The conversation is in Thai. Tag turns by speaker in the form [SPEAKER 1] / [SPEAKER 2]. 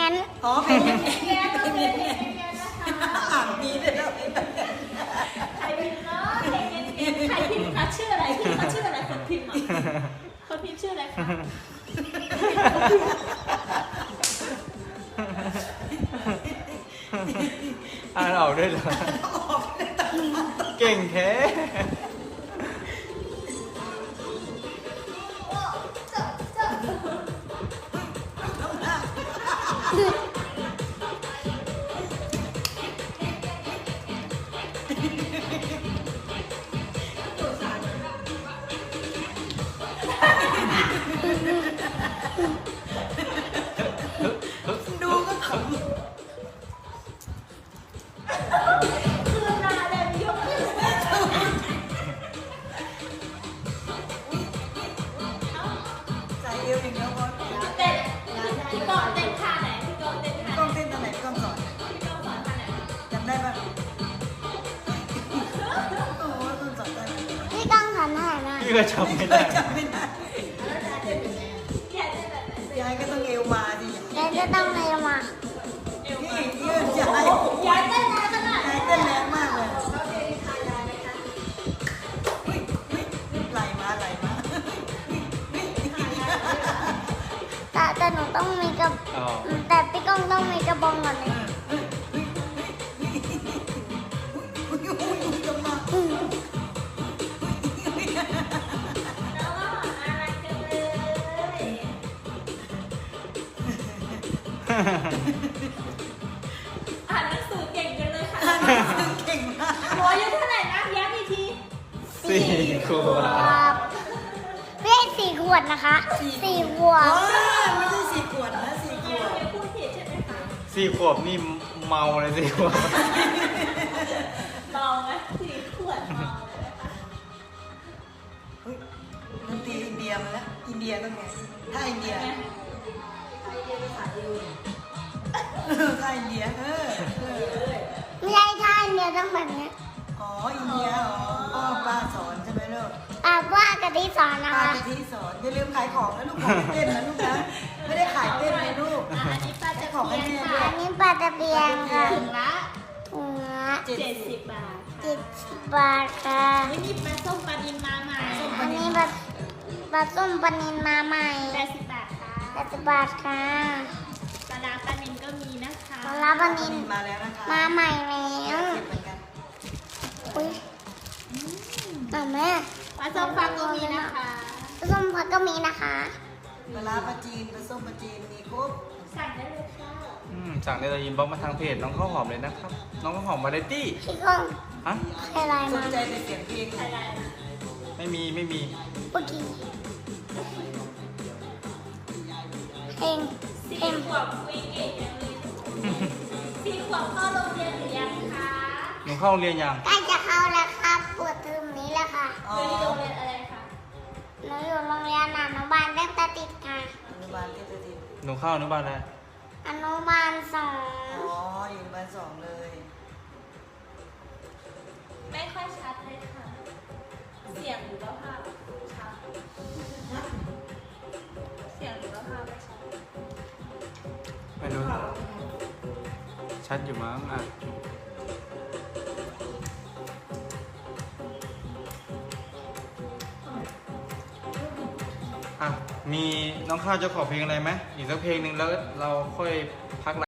[SPEAKER 1] น
[SPEAKER 2] อ๋อเพลงแง้นก็เป็นเพลงแง้นนะคะอ่านดีเลยนะใครพิมพ์เนาะเพลงแง้นใครพิมพ์คะชื่ออะไรพิมพ์เขาชื่ออะไรคนพิมพ์คนพิมพ์ชื่ออะไรคะ
[SPEAKER 3] อ่านออกด้วยเหรอเก่งแท้
[SPEAKER 2] ดูก็ขำคือนาเดนยกขึ้นใจเอวอย่างเดียวพอเต้นพี่กองเต้นท่าไหนพี่กองเต้นท่าไหนพี่กองเต้นท่าไหนพี่กองสอนพี่กองสอนท่าไหนจำได้ปะโอ้โหคุณสอนได้ไหม
[SPEAKER 1] พี่ก้องหันหน้ามา
[SPEAKER 3] พี่ก็จำไม่ได้
[SPEAKER 2] จำไม่ได้แล้วยายเต้นยังไงยายเต้นแบบไหนยายก็ต้องเอวมาดิ
[SPEAKER 1] เดี๋ยวจะต้องเลยมา
[SPEAKER 2] นี่ยืนยายเต้นแรงขนาดยายเต้นแรงมากเลยเขาเต้นทายายไหมคะไหลมา
[SPEAKER 1] แต่หนูต้องมีกระ
[SPEAKER 3] อ๋อ
[SPEAKER 1] แต่พี่ก้องต้องมีกระบองก่อนเลยอืม
[SPEAKER 4] อ่านหนังสือเก่งกันเลยค่ะ
[SPEAKER 2] เก่งมาก
[SPEAKER 4] หมออายุเท่าไหร่นะย้ำอีกที
[SPEAKER 3] 4 ขวบ
[SPEAKER 1] ครับพี่ให้4 ขวดนะคะ4 ขวด
[SPEAKER 2] ไม่ใช่4 ขวดนะ4 ขวด
[SPEAKER 4] เดี๋ยวพูดผิดใช่ไหมคะ
[SPEAKER 3] 4 ขวบนี่เมาเลย4 ขวบ
[SPEAKER 4] เมาไหม4 ขวดเมาเลยนะคะ
[SPEAKER 2] เฮ้ยดนตรีอินเดียมาแล้วอินเดียต้องไงถ้าอินเดียถ้าอินเดีย
[SPEAKER 1] ไม่ใช่ท่าเดียวต้องแบบนี้
[SPEAKER 2] อ๋ออินเดียอ๋อป้าสอนใช่ไหมลูก
[SPEAKER 1] ว่ากะทิสอนนะ
[SPEAKER 2] ป้า
[SPEAKER 1] คะ
[SPEAKER 2] กะทิสอนอย่าลืมขายของนะลูกของเต้นนะลูกนะไม่ได้ขายเต้นนะลูก
[SPEAKER 4] อันนี้ปลาตะ
[SPEAKER 2] ของให้
[SPEAKER 4] เพียน
[SPEAKER 2] แม่ด้ว
[SPEAKER 4] ค่ะ
[SPEAKER 2] ย
[SPEAKER 1] อันนี้ปลาตะเพียนค่ะ
[SPEAKER 4] ถุงละ
[SPEAKER 1] ถุงละ
[SPEAKER 4] 70 บาท
[SPEAKER 1] 70 บาทค่ะ
[SPEAKER 4] ไม่มีปลาส้มปลาดินมาใหม่
[SPEAKER 1] อันนี้ปลาส้มปลานินมาใหม่
[SPEAKER 4] 80 บาทค่ะ
[SPEAKER 1] 80 บาทค่ะ
[SPEAKER 4] ปลาดาปลานินก็มีนะคะ
[SPEAKER 1] ปลาร้าปลานิน
[SPEAKER 2] มาแล้วนะคะ
[SPEAKER 1] มาใหม่แล้ว
[SPEAKER 2] เหมือนกัน
[SPEAKER 1] อุ้ยแม่
[SPEAKER 4] ปลาส้มฟักก็มีนะคะ
[SPEAKER 1] ปลาส้มพักก็มีนะคะ
[SPEAKER 2] ปลาร้าปลาจีนปลาส้มปลาจีนมีครบ
[SPEAKER 4] สั่งได้เลยค่ะ
[SPEAKER 3] สั่งในอินบ็อกซ์มาทางเพจน้องข้าวหอมเลยนะครับ น้องข้าวหอมวาไรตี้
[SPEAKER 1] พี่ก้อง
[SPEAKER 3] ฮะ
[SPEAKER 1] ใครไลน์
[SPEAKER 2] ส
[SPEAKER 1] มาน
[SPEAKER 2] ใจแต่เสียงเพลง
[SPEAKER 4] ใครได้นะ
[SPEAKER 3] ไม่มี
[SPEAKER 1] เมื่อกี้เพลง
[SPEAKER 4] 4 ขวบคุยเก่งจังเลย4 ขวบเข้าโรงเรียนหรือยังคะ
[SPEAKER 3] หนูเข้าโรงเรียนยัง
[SPEAKER 1] ใกล้จะเข้าแล้วครับปวดเทอมนี้แล้วค่ะ
[SPEAKER 2] อ๋อ
[SPEAKER 4] อยู่โรงเรียนอะไรคะ
[SPEAKER 1] หนูอยู่โรงเรียนอนุบาลเล็กตะติดค่ะ
[SPEAKER 2] อนุบาลเทพติด
[SPEAKER 3] หนูเข้าอนุบาลแล้ว
[SPEAKER 1] อนุบาล2
[SPEAKER 2] อ๋ออยู่อนุบาล2เลย
[SPEAKER 4] ไม่ค่อยชัดเลยค่ะ เสียงหรือว่าภาพชัดเสียงหรือว่าภาพไม่ชัด
[SPEAKER 3] ไม่รู้ ชัดอยู่มั้งอ่ะมีน้องข้าวจะขอเพลงอะไรไหมอีกสักเพลงหนึ่งแล้วเราค่อยพัก